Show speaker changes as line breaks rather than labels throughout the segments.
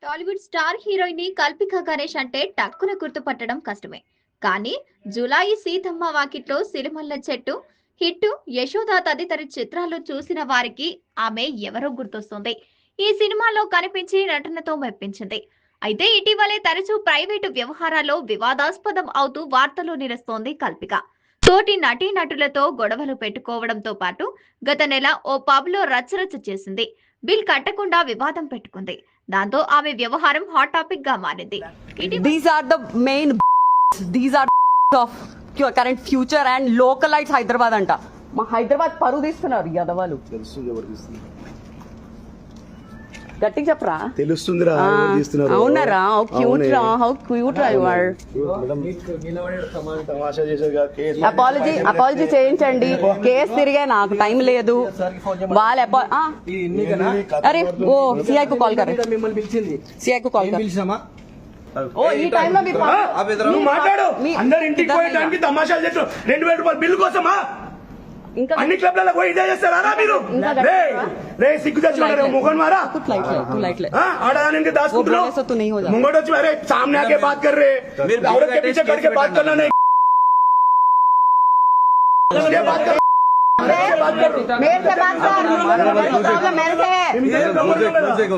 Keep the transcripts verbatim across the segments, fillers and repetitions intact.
Tollywood star heroine Kalpika Ganesh అంటే టక్కున గుర్తుపట్టడం కష్టమే. కానీ జులాయి సీతమ్మ వాకిట్లో సిరిమల్ల చెట్టు హిట్టు, యశోద తదితర చిత్రాలు చూసిన వారికి ఆమె ఎవరో గుర్తొస్తుంది. ఈ సినిమాలో కనిపించి నటనతో మెప్పించింది. అయితే ఇటీవలే తరచూ ప్రైవేటు వ్యవహారాల్లో వివాదాస్పదం అవుతూ వార్తల్లో నిలుస్తోంది కల్పిక. తోటి నటీనటులతో గొడవలు పెట్టుకోవడంతో పాటు గత నెల ఓ పబ్ లో రచ్చరచ్చ చేసింది. బిల్ కట్టకుండా వివాదం పెట్టుకుంది. దాంతో ఆమె వ్యవహారం హాట్ టాపిక్ గా మారింది.
These are the main these are of current future and localites Hyderabad అంట. మా హైదరాబాద్ పరువు తీస్తున్నారు యదవాలు.
తెలుసు ఎవరు తీస్తున్నారు,
గట్టిగా చెప్పరా.
తెలుస్తుందిరా ఎవరు తీస్తున్నారు.
అవునరా, హౌ క్యూట్ రా, హౌ క్యూట్ రా యు ఆర్.
తమాషా చేశారు. కేసు
అపాలజీ అపాలజీ చేయించండి. కేసు తిరిగే నాకు టైం లేదు. వాళ్ళ అరే ఓ సిఐ కు కాల్ కరే,
మిమ్మల్ని పిలిచింది.
సిఐ కు కాల్ కరే.
పిలిచామా?
ఓ ఈ టైంలో మీరు
నువ్వు మాట్లాడు. అందరు ఇంటికి పోయడానికి తమాషాలు చేస్తారు. రెండు వేల రూపాయలు బిల్లు కోసమా?
ఇంకా
అన్ని క్లబ్లలో పోయి ఇదే చేస్తారా మీరు? రే రే సిగ్గు తెచ్చుకున్నారు ముఖన్ మారా. आड़ाने दासकुंटलो मुंगोट వచ్చి अरे सामने आके बात कर रहे, औरत के पीछे करके बात करना नहीं. बात कर मेरे से बात कर, प्रॉब्लम मेरे से है.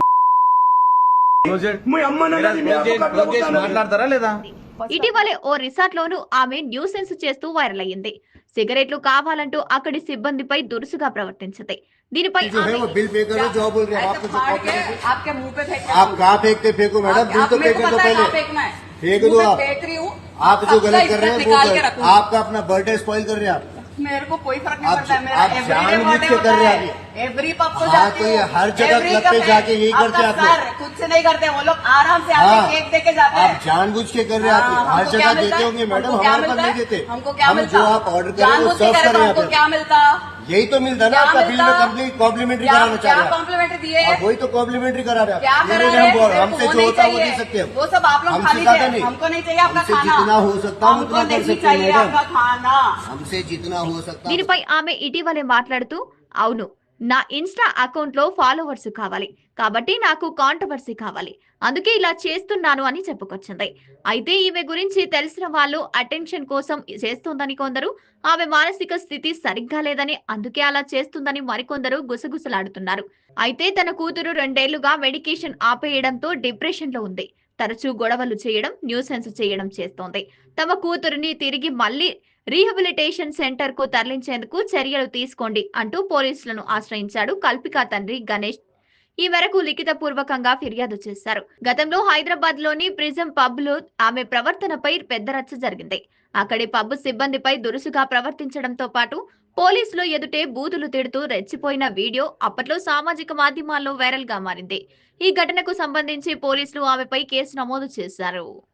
మీ అమ్మ నన్నది మీ అమ్మ
మాట్లాడతారా లేదా?
ఇటీవలే ఓ రిసార్ట్ లోను ఆమె న్యూసెన్స్ చేస్తూ వైరల్ అయ్యింది. సిగరెట్లు కావాలంటూ అక్కడి సిబ్బందిపై దురుసుగా ప్రవర్తించింది. దీనిపై
बिल पे करो जो बोल रहे आप आप कहाँ फेंकते फेंको मैडम, बिल तो पे कर दो पहले, फेंक दो आप. आप जो गलत कर रहे हैं वो आपका अपना बर्थडे स्पॉइल कर रहे हैं आप.
मेरे को कोई फर्क नहीं पड़ता है. मेरा
आप जानबूझ के कर रहे हैं
एवरी पब को
हाँ,
जाती
तो ये
हूँ.
हर जगह
Every
क्लब पे
कप
जाके यही
आपका
करते हैं आप लोग.
सर खुद से नहीं करते, वो लोग आराम से आके
हाँ,
केक दे के जाते
आप
हैं.
जानबूझ के कर रहे हैं.
हाँ,
आप हर
हमको क्या
जगह
मिलता
देते
है?
होंगे मैडम,
हमको क्या
हमारे पास
मिलता
नहीं
है?
देते.
हमको क्या
हम
मिलता?
जो आप ऑर्डर करें वो
जानबूझ के
सर्व
करे
करें
तो
यहाँ
हमको
पे.
क्या मिलता?
यही तो मिलता ना, आपका बिल में कंप्लीट कॉम्प्लीमेंट्री कराना चाह
क्या
रहे हैं.
कॉम्प्लीमेंट्री दिए?
अब वही तो कॉम्प्लीमेंट्री करा रहे
क्या
हैं.
कर
ये
रहे
हम बोल-
हैं?
हमसे
वो
जो
नहीं
होता है वो दे
चाहिए.
सकते हैं.
वो सब आप लोग
हम
खा
सिखाते
लीजिए.
नहीं.
हमको नहीं चाहिए आपका
हमसे
खाना.
जितना हो सकता है हम
हमको
उतना कर
नहीं
सकते हैं
चाहिए
मैडम.
आपका खाना.
हमसे जितना हो सकता है.
దీనిపై ఆమె ఇటీవలే మాట్లాడుతూ, అవును నా ఇన్స్టా అకౌంట్ లో ఫాలోవర్స్ కావాలి కాబట్టి నాకు కాంట్రవర్సీ కావాలి, అందుకే ఇలా చేస్తున్నాను అని చెప్పుకొచ్చింది. అయితే ఈమె గురించి తెలిసిన వాళ్ళు అటెన్షన్ కోసం చేస్తోందని కొందరు, ఆమె మానసిక స్థితి సరిగ్గా లేదని అందుకే అలా చేస్తుందని మరికొందరు గుసగుసలాడుతున్నారు. అయితే తన కూతురు రెండేళ్లుగా మెడికేషన్ ఆపేయడంతో డిప్రెషన్ లో ఉంది. తరచూ గొడవలు చేయడం, న్యూసెన్స్ చేయడం చేస్తోంది. తమ కూతురిని తిరిగి మళ్లీ రీహాబిలిటేషన్ సెంటర్ కు తరలించేందుకు చర్యలు తీసుకోండి అంటూ పోలీసులను ఆశ్రయించాడు కల్పిక తండ్రి గణేష్. ఈ మేరకు లిఖిత పూర్వకంగా ఫిర్యాదు చేశారు. గతంలో హైదరాబాద్ లోని ప్రిజం పబ్ లో ఆమె ప్రవర్తనపై పెద్ద రచ్చ జరిగింది. అక్కడి పబ్ సిబ్బందిపై దురుసుగా ప్రవర్తించడంతో పాటు పోలీసులు ఎదుటే బూతులు తిడుతూ రెచ్చిపోయిన వీడియో అప్పట్లో సామాజిక మాధ్యమాల్లో వైరల్ గా మారింది. ఈ ఘటనకు సంబంధించి పోలీసులు ఆమెపై కేసు నమోదు చేశారు.